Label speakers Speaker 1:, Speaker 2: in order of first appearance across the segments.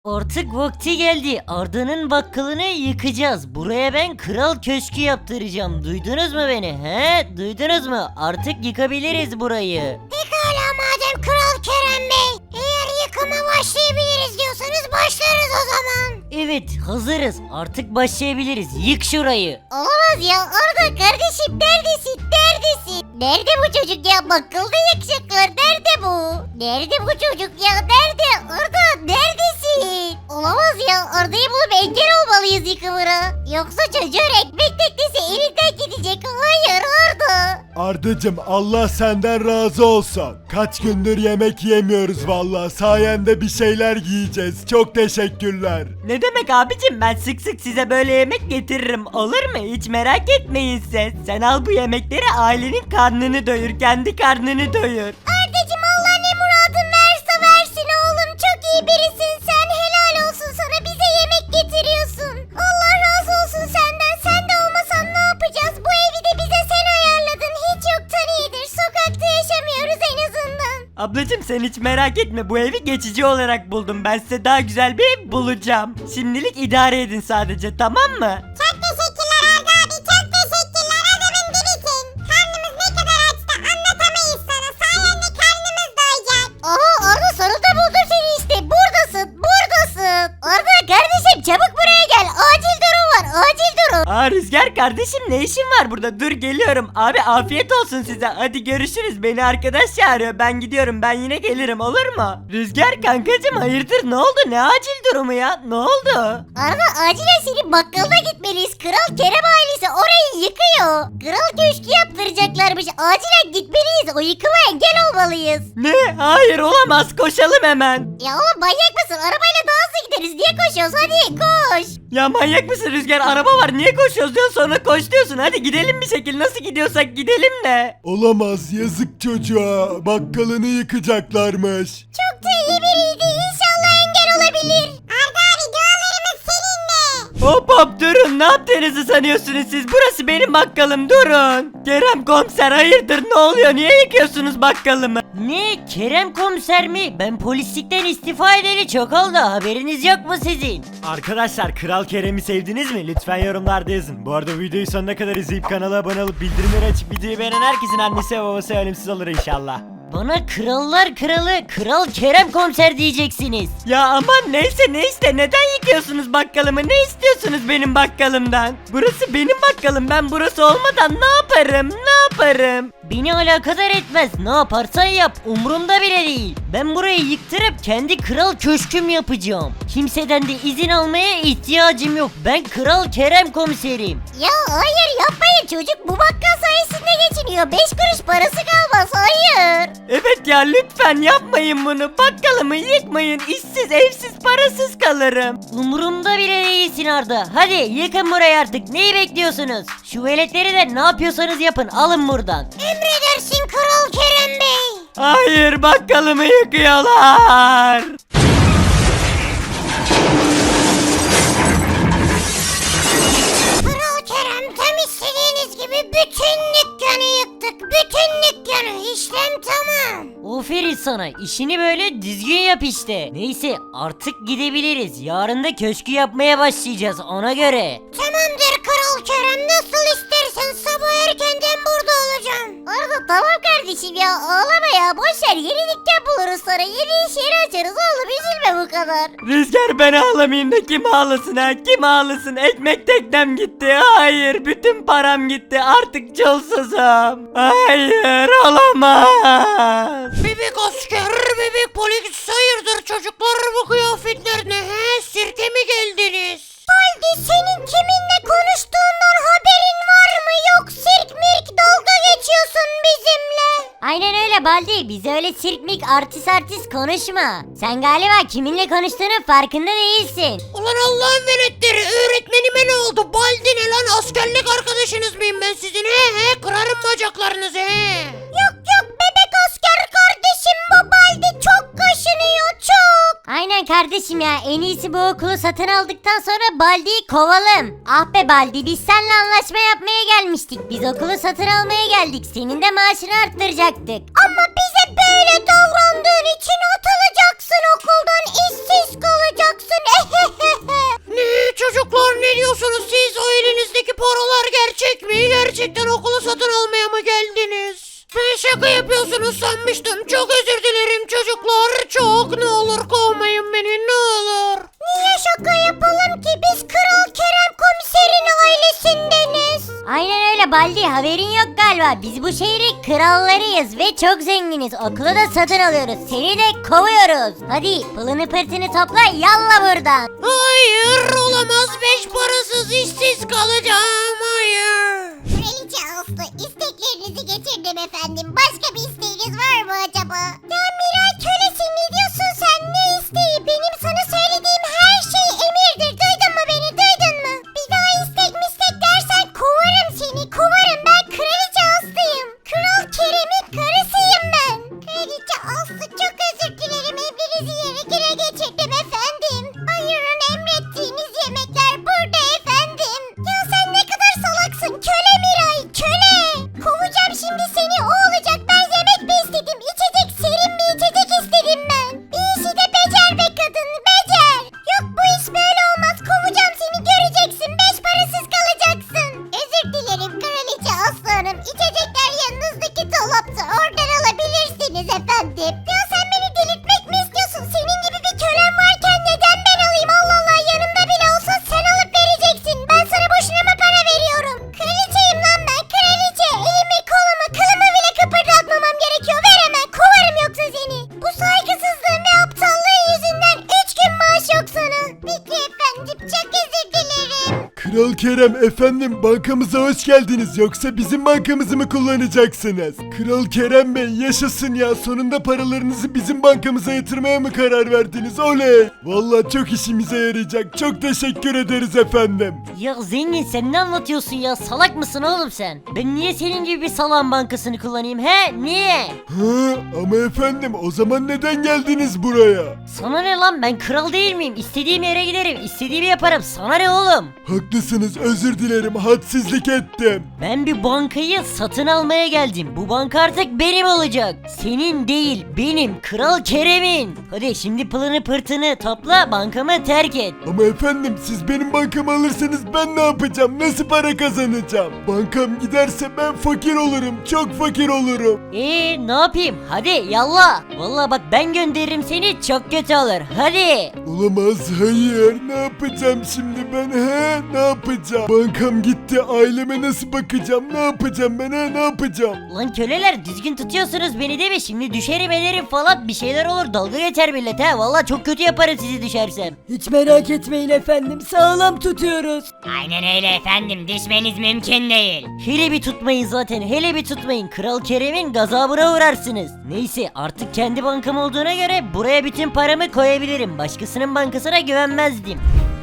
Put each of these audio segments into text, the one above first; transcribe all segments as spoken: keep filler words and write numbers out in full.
Speaker 1: Artık vakti geldi. Arda'nın bakkalını yıkacağız. Buraya ben kral köşkü yaptıracağım. Duydunuz mu beni? He? Duydunuz mu? Artık yıkabiliriz burayı.
Speaker 2: Pekala madem Kral Kerem Bey. Eğer yıkıma başlayabiliriz diyorsanız başlarız o zaman.
Speaker 1: Evet, hazırız. Artık başlayabiliriz. Yık şurayı.
Speaker 2: Olamaz ya Arda kardeşim neredesin neredesin? Nerede bu çocuk ya bakkalda yakacaklar nerede bu? Nerede bu çocuk ya nerede? Arda neredesin? Olamaz ya Arda'yı bulup engel olmalıyız yıkımına. Yoksa çocuğun ekmek teknesi elinden gidecek. Hayır Arda.
Speaker 3: Ardacım Allah senden razı olsun. Kaç gündür yemek yemiyoruz valla. Sayende bir şeyler yiyeceğiz. Çok teşekkürler.
Speaker 4: Ne demek abicim, ben sık sık size böyle yemek getiririm, olur mu? Hiç merak etmeyin siz. Sen al bu yemekleri, ailenin karnını doyur, kendi karnını doyur.
Speaker 2: Ardacım Allah ne muradın verse versin oğlum. Çok iyi birisin sen. Helal olsun sana bize yemek getiriyorsun. Allah razı olsun senden. Sen de olmasan ne yapacağız? Bu evi de bize sen ayarladın. Hiç yoktan iyidir. Sokakta yaşamıyoruz en azından.
Speaker 4: Ablacım sen hiç merak etme, bu evi geçici olarak buldum. Ben size daha güzel bir ev bulacağım. Şimdilik idare edin sadece, tamam mı?
Speaker 2: Çok teşekkürler Arda abi. Çok teşekkürler. Adamın birisin. Karnımız ne kadar açtı anlatamayız sana. Sayende karnımız doyacak. Aha Arda sonunda buldum seni işte. Buradasın. Buradasın. Arda kardeşim çabuk buraya gel. Acil durum var. Acil durum.
Speaker 4: Aa Rüzgar kardeşim, ne işin var burada? Dur geliyorum. Abi afiyet olsun size. Hadi görüşürüz. Beni arkadaş çağırıyor. Ben gidiyorum. Ben yine gelirim, olur mu? Rüzgar kankacım, hayırdır, ne oldu? Ne acil durumu ya? Ne oldu?
Speaker 2: Arda acilen senin bakkalına gitmeliyiz. Kral Kerem ailesi orayı yıkıyor. Kral köşkü yaptıracaklarmış. Acilen gitmeliyiz. O yıkıma engel olmalıyız.
Speaker 4: Ne? Hayır olamaz. Koşalım hemen.
Speaker 2: Ya oğlum manyak mısın? Arabayla daha hızlı gideriz. Niye koşuyoruz? Hadi koş.
Speaker 4: Ya manyak mısın Rüzgar? Araba var. Niye koşuyoruz diyorsun, sonra koş diyorsun. Hadi gidelim bir şekilde. Nasıl gidiyorsak gidelim de.
Speaker 3: Olamaz yazık çocuğa. Bakkalını yıkacaklarmış.
Speaker 2: Çok da iyi biriydi. İnşallah engel olabilir. Arda abi dualarımız seninle.
Speaker 4: Hop hop durun, ne yaptığınızı sanıyorsunuz siz? Burası benim bakkalım, durun. Kerem komiser hayırdır, ne oluyor, niye yıkıyorsunuz bakkalımı?
Speaker 1: Ne? Kerem komiser mi? Ben polislikten istifa edeli çok oldu. Haberiniz yok mu sizin?
Speaker 4: Arkadaşlar Kral Kerem'i sevdiniz mi? Lütfen yorumlarda yazın. Bu arada videoyu sonuna kadar izleyip kanala abone olup bildirimleri açıp videoyu beğenen herkesin annesi ve babası ölümsüz olur inşallah.
Speaker 1: Bana krallar kralı Kral Kerem komiser diyeceksiniz.
Speaker 4: Ya aman neyse neyse, neden yıkıyorsunuz bakkalımı? Ne istiyorsunuz benim bakkalımdan? Burası benim bakkalım, ben burası olmadan ne yaparım, ne yaparım?
Speaker 1: Beni alakadar etmez. Ne yaparsan yap. Umurumda bile değil. Ben burayı yıktırıp kendi kral köşküm yapacağım. Kimseden de izin almaya ihtiyacım yok. Ben Kral Kerem komiserim.
Speaker 2: Ya hayır yapmayın çocuk. Bu bakkal sayesinde geçiniyor. Beş kuruş parası kalmaz. Hayır.
Speaker 4: Evet ya, lütfen yapmayın bunu, bakkalımı yıkmayın, işsiz evsiz parasız kalırım.
Speaker 1: Umurumda bile değilsin Arda. Hadi yıkın burayı artık. Neyi bekliyorsunuz? Şu veletleri de ne yapıyorsanız yapın. Alın buradan.
Speaker 2: Emredersin Kral Kerem Bey.
Speaker 4: Hayır, bakkalımı yıkıyorlar.
Speaker 2: Kral Kerem tam istediğiniz gibi bütün dükkanı yıktık. Bütün dükkanı. İşlem tamam.
Speaker 1: Aferin sana. İşini böyle düzgün yap işte. Neyse artık gidebiliriz. Yarın da köşkü yapmaya başlayacağız ona göre.
Speaker 2: Tamamdır Kral Kerem. Nasıl istersen sabah erkenden burada olacağım. Arda tamam kardeşim ya ağlama ya. Boşver yeni dükkan buluruz sonra. Yeni iş yeri açarız oğlum üzülme bu kadar.
Speaker 4: Rüzgar, ben ağlamayayım da kim ağlasın ha, kim ağlasın? Ekmek teknem gitti, hayır, bütün param gitti, artık çulsuzum. Hayır, olamaz.
Speaker 5: Bebek asker, bebek polis, hayırdır çocuklar bu kıyafetler ne he? Sirke mi geldiniz?
Speaker 2: Baldi senin kiminle konuştuğundan haberin var mı? Yok sirk mirk dalga geçiyorsun bizimle. Aynen öyle Baldi. Bize öyle sirk mirk artist artist konuşma. Sen galiba kiminle konuştuğunun farkında değilsin.
Speaker 5: Ulan Allah'ın veletleri, öğretmenime ne oldu? Baldi ne lan, askerlik arkadaşınız mıyım ben sizin he he? Kırarım bacaklarınızı he.
Speaker 2: Yok yok bebek asker kardeşim bu Baldi çok kaşınıyor çok. Aynen kardeşim ya, en iyisi bu okulu satın aldıktan sonra Baldi'yi kovalım. Ah be Baldi, biz seninle anlaşma yapmaya gelmiştik. Biz okulu satın almaya geldik. Senin de maaşını arttıracaktık. Ama bize böyle davrandığın için atılacaksın okuldan, işsiz kalacaksın.
Speaker 5: Ne çocuklar, ne diyorsunuz siz? O elinizdeki paralar gerçek mi? Gerçekten okulu satın almaya mı geldiniz? Ben şaka yapıyorsunuz sanmıştım. Çok özür dilerim çocuklar. Çok, ne olur kovmayın beni, ne olur.
Speaker 2: Niye şaka yapalım ki? Biz Kral Kerem komiserin ailesindeniz. Aynen öyle Baldi, haberin yok galiba. Biz bu şehrin krallarıyız ve çok zenginiz. Okulu da satın alıyoruz. Seni de kovuyoruz. Hadi pılını pırtını topla, yalla buradan.
Speaker 5: Hayır, olamaz. Beş parasız işsiz kalacağım. Hayır.
Speaker 2: Kraliçe Aslı, isteklerinizi getirdim efendim. Başka bir isteğiniz var mı acaba? Ya Miray kölesin, ne diyorsun sen? Ne isteği? Benim sana söylediğim her şey emirdir. Duydun mu beni, duydun mu? Bir daha istek mistek dersen kovarım seni, kovarım. Ben Kraliçe Aslı'yım. Kral Kerem'in karısıyım ben. Kraliçe Aslı, çok özür dilerim. Emrinizi yere göre geçirdim efendim. Buyurun, emrettiğiniz yemekler burada efendim. Ya sen ne kadar salaksın köle Miray, köle. Kovacağım şimdi seni, o olacak. Ben yemek mi istedim, içecek, serin bir içecek istedim ben. Bir işi de becer be kadın, becer. Yok, bu iş böyle olmaz, kovacağım seni, göreceksin. Beş parasız kalacaksın. Özür dilerim Kraliçe Aslı Hanım. İçecekler yanınızdaki dolapta, oradan alabilirsiniz efendim. Ya sen beni delirtmek mi istiyorsun? Senin gibi bir kölen varken neden ben alayım? Allah Allah, yanımda bile olsa sen alıp vereceksin. Ben sana boşuna mı para veriyorum? Kraliçeyim lan ben, kraliçe. Elimi kolumu kılımı bile kıpırdatmamam gerekiyor. Ver hemen, kovarım yoksa seni. Bu saygısızlığın ve aptallığın yüzünden üç gün maaş yok sana. Peki efendim, çok özür dilerim.
Speaker 3: Kral Kerem efendim, bankamıza hoş geldiniz. Yoksa bizim bankamızı mı kullanacaksınız? Kral Kerem Bey, yaşasın ya, sonunda paralarınızı bizim bankamıza yatırmaya mı karar verdiniz? Oley! Vallahi çok işimize yarayacak. Çok teşekkür ederiz efendim.
Speaker 1: Ya zengin, sen ne anlatıyorsun ya? Salak mısın oğlum sen? Ben niye senin gibi bir salağın bankasını kullanayım he? Niye?
Speaker 3: Hı, ama efendim, o zaman neden geldiniz buraya?
Speaker 1: Sana ne lan, ben kral değil miyim? İstediğim yere giderim, istediğimi yaparım. Sana ne oğlum?
Speaker 3: Haklısınız, özür dilerim, hadsizlik ettim.
Speaker 1: Ben bir bankayı satın almaya geldim. Bu banka artık benim olacak. Senin değil, benim. Kral Kerem'in. Hadi şimdi pılını pırtını topla, bankamı terk et.
Speaker 3: Ama efendim, siz benim bankamı alırsanız ben ne yapacağım? Nasıl para kazanacağım? Bankam giderse ben fakir olurum, çok fakir olurum.
Speaker 1: Eee ne yapayım? Hadi yallah. Vallahi bak, ben gönderirim seni, çok kötü olur. Hadi.
Speaker 3: Olamaz, hayır. Ne yapacağım şimdi ben, he? Ne yapacağım? Bankam gitti, aileme nasıl bakacağım? Ne yapacağım ben, he? Ne yapacağım?
Speaker 1: Lan köleler, düzgün tutuyorsunuz beni değil mi? Şimdi düşerim ederim falan, bir şeyler olur, dalga geçer millet ha. Vallahi çok kötü yaparım sizi düşersem.
Speaker 4: Hiç merak etmeyin efendim, sağlam tutuyoruz.
Speaker 1: Aynen öyle efendim, düşmeniz mümkün değil. Hele bir tutmayın zaten, hele bir tutmayın. Kral Kerem'in gazabına uğrarsınız. Neyse, artık kendi bankam olduğuna göre buraya bütün paramı koyabilirim. Başkasının bankasına güvenmezdim.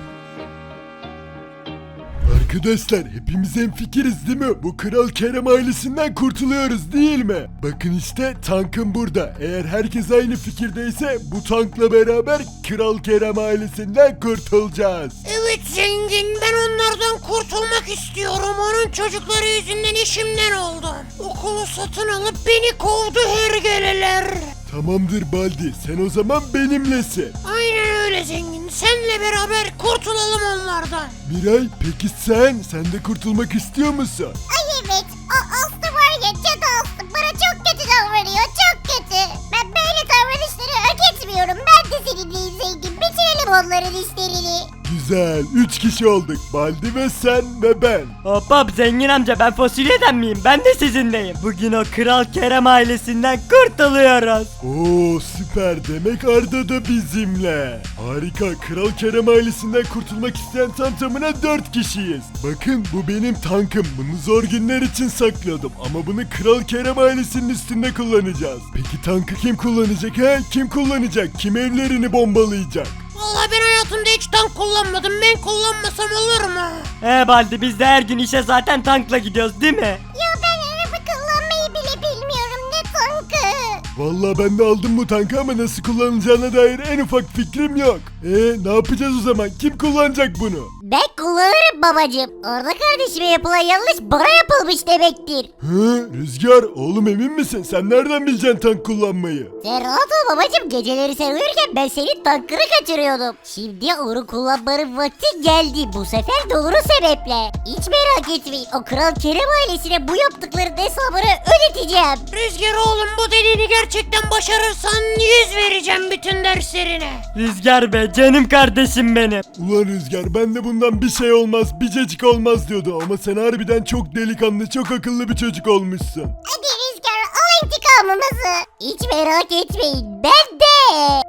Speaker 3: Arkadaşlar, hepimiz hemfikiriz değil mi? Bu Kral Kerem ailesinden kurtuluyoruz değil mi? Bakın işte, tankım burada. Eğer herkes aynı fikirdeyse bu tankla beraber Kral Kerem ailesinden kurtulacağız.
Speaker 5: Evet zengin, ben onlardan kurtulmak istiyorum. Onun çocukları yüzünden işimden oldum. Okulu satın alıp beni kovdu hergeleler.
Speaker 3: Tamamdır Baldi, sen o zaman benimlesin.
Speaker 5: Aynen öyle zengin. Senle beraber kurtulalım onlardan.
Speaker 3: Miray, peki sen? Sen de kurtulmak istiyor musun?
Speaker 2: Ay evet, o Aslı var ya, cadı Aslı bana çok kötü davranıyor, çok kötü. Ben böyle davranışları hak etmiyorum. Ben de seninleyim zengin, bitirelim onların işlerini.
Speaker 3: Güzel, üç kişi olduk. Baldi ve sen ve ben.
Speaker 4: Hop hop zengin amca, ben fasulyeden miyim? Ben de sizinleyim. Bugün o Kral Kerem ailesinden kurtuluyoruz.
Speaker 3: Oo süper, demek Arda da bizimle. Harika, Kral Kerem ailesinden kurtulmak isteyen tam tamına dört kişiyiz. Bakın, bu benim tankım, bunu zor günler için sakladım. Ama bunu Kral Kerem ailesinin üstünde kullanacağız. Peki tankı kim kullanacak he? Kim kullanacak? Kim evlerini bombalayacak?
Speaker 5: Vallahi ben hayatımda hiç tank kullanmadım. Ben kullanmasam olur mu?
Speaker 4: He Baldi, biz de her gün işe zaten tankla gidiyoruz değil mi?
Speaker 2: Ya ben araba kullanmayı bile bilmiyorum, ne tankı.
Speaker 3: Vallahi ben de aldım bu tankı ama nasıl kullanılacağına dair en ufak fikrim yok. Eee ne yapacağız o zaman? Kim kullanacak bunu?
Speaker 2: Ben kullanırım babacım. Arda kardeşime yapılan yanlış bana yapılmış demektir.
Speaker 3: Hı, Rüzgar oğlum emin misin? Sen nereden bileceksin tank kullanmayı?
Speaker 2: Sen rahat ol babacım. Geceleri sen uyurken ben senin tankını kaçırıyordum. Şimdi onu kullanmanın vakti geldi. Bu sefer doğru sebeple. Hiç merak etmeyin. O Kral Kerem ailesine bu yaptıkların hesabını ödeteceğim.
Speaker 5: Rüzgar oğlum bu dediğini gerçekten başarırsan yüz vereceğim bütün derslerine.
Speaker 4: Rüzgar be canım kardeşim benim.
Speaker 3: Ulan Rüzgar ben de bundan bir şey olmaz, bir cacık olmaz diyordu ama sen harbiden çok delikanlı, çok akıllı bir çocuk olmuşsun.
Speaker 2: Hadi Rüzgar al intikamımızı. Hiç merak etmeyin. Ben de.